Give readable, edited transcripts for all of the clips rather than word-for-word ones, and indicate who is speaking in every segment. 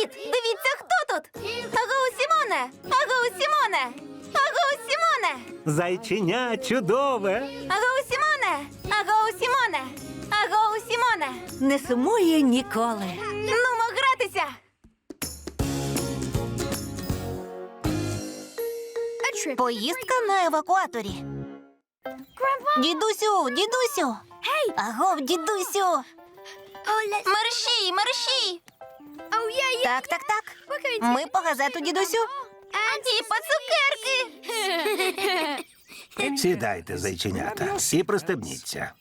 Speaker 1: Привіт! Дивіться, хто тут! Агоу, Сімоне! Агоу, Сімоне! Агоу, Сімоне!
Speaker 2: Зайченя чудове.
Speaker 1: Агоу, Сімоне! Агоу, Сімоне! Агоу, Сімоне!
Speaker 3: Не сумує ніколи.
Speaker 1: Нумо гратися! Поїздка на евакуаторі. Дідусю, дідусю! Агов, дідусю! Мерщій, мерщій! Так, так, так. Ми по газету, дідусю. І по цукерки.
Speaker 2: Сідайте, зайченята, і пристебніться.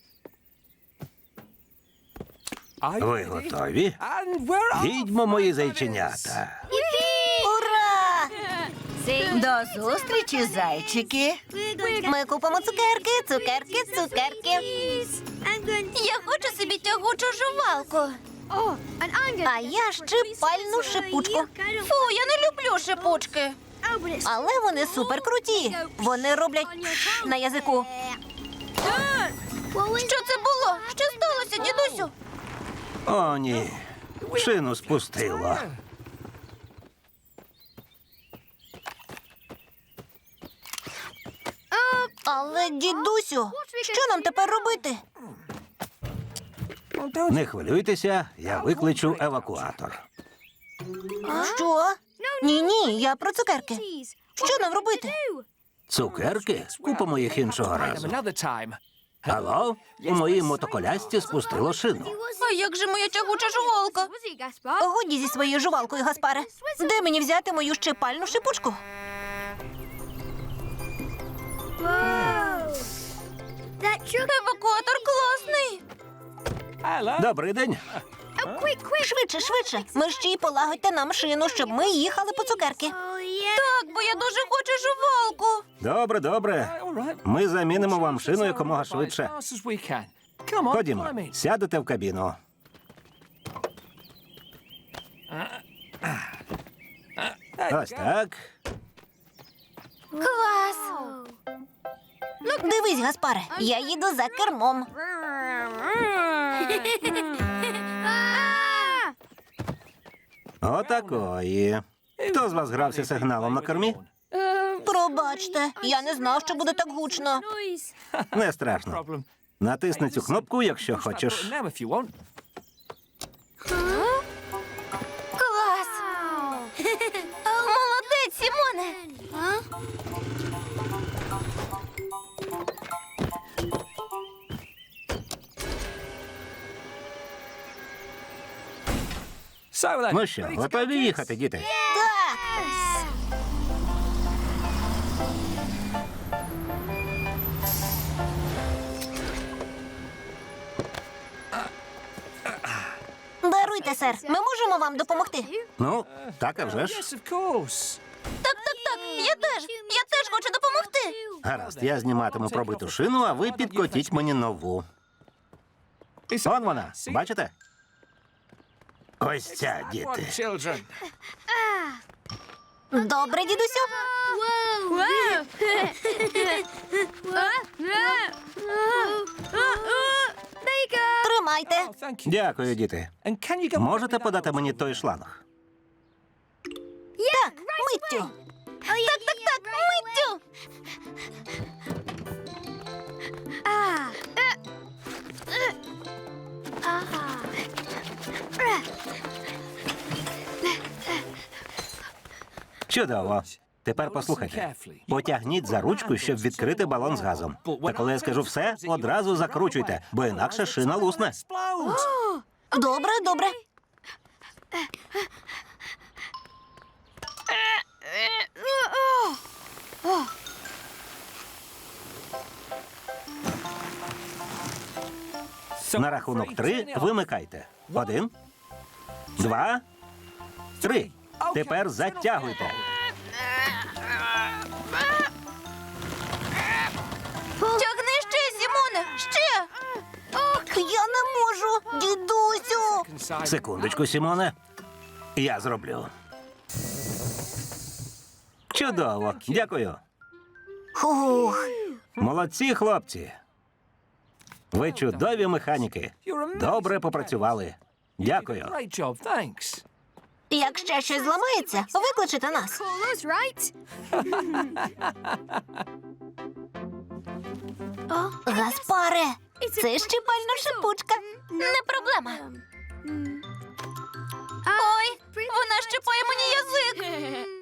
Speaker 2: Ви готові? Їдьмо, мої зайченята.
Speaker 1: Ура!
Speaker 3: До зустрічі, зайчики.
Speaker 1: Ми купимо цукерки, цукерки, цукерки. Я хочу собі тягучу жувалку. А я щипальну шипучку. Фу, я не люблю шипучки. Але вони супер круті. Вони роблять на язику. Що це було? Що сталося, дідусю?
Speaker 2: О, ні. Шину спустило.
Speaker 1: Але, дідусю, що нам тепер робити?
Speaker 2: Не хвилюйтеся, я викличу евакуатор.
Speaker 1: Що? Ні, я про цукерки. Що нам робити?
Speaker 2: Цукерки? Купимо їх іншого разу. Алло? У моїй мотоколясці спустило шину.
Speaker 1: А як же моя тягуча жувалка? Годі зі своєю жувалкою, Гаспаре. Де мені взяти мою щипальну шипучку? Евакуатор класний.
Speaker 2: Добрий день.
Speaker 1: Швидше, швидше. Мерщій полагодьте нам шину, щоб ми їхали по цукерки. Так, бо я дуже хочу жувалку.
Speaker 2: Добре, добре. Ми замінимо вам шину якомога швидше. Ходімо, сядете в кабіну. Ось так.
Speaker 1: Клас. Дивись, Гаспаре, я їду за кермом.
Speaker 2: Отакої. Хто з вас грався сигналом на кормі?
Speaker 1: Пробачте, я не знав, що буде так гучно.
Speaker 2: Не страшно. Натисни цю кнопку, якщо хочеш.
Speaker 1: Клас! Молодець, Сімоне!
Speaker 2: Ну що, готові їхати, діти?
Speaker 1: Так! Даруйте, сер, ми можемо вам допомогти?
Speaker 2: Ну, так, а вже ж.
Speaker 1: Так, я теж хочу допомогти.
Speaker 2: Гаразд, я зніматиму пробиту шину, а ви підкотіть мені нову. Вон вона, бачите? Ось ця, діти.
Speaker 1: Добре, дідусю. Тримайте.
Speaker 2: Дякую, діти. Можете подати мені той шланг?
Speaker 1: Так, миттю. Так, миттю.
Speaker 2: Чудово. Тепер послухайте. Потягніть за ручку, щоб відкрити балон з газом. Та коли я скажу все, одразу закручуйте, бо інакше шина лусне.
Speaker 1: Добре, добре.
Speaker 2: На рахунок 3 вимикайте. 1, 2, 3. Тепер затягуйте.
Speaker 1: Тягни ще, Сімоне, ще. Я не можу, дідусю.
Speaker 2: Секундочку, Сімоне. Я зроблю. Чудово. Дякую.
Speaker 1: Хух.
Speaker 2: Молодці, хлопці. Ви чудові механіки. Добре попрацювали. Дякую.
Speaker 1: Якщо щось зламається, викличете нас. Гаспаре, це щипальна шипучка. Не проблема. Ой, вона щипає мені язик.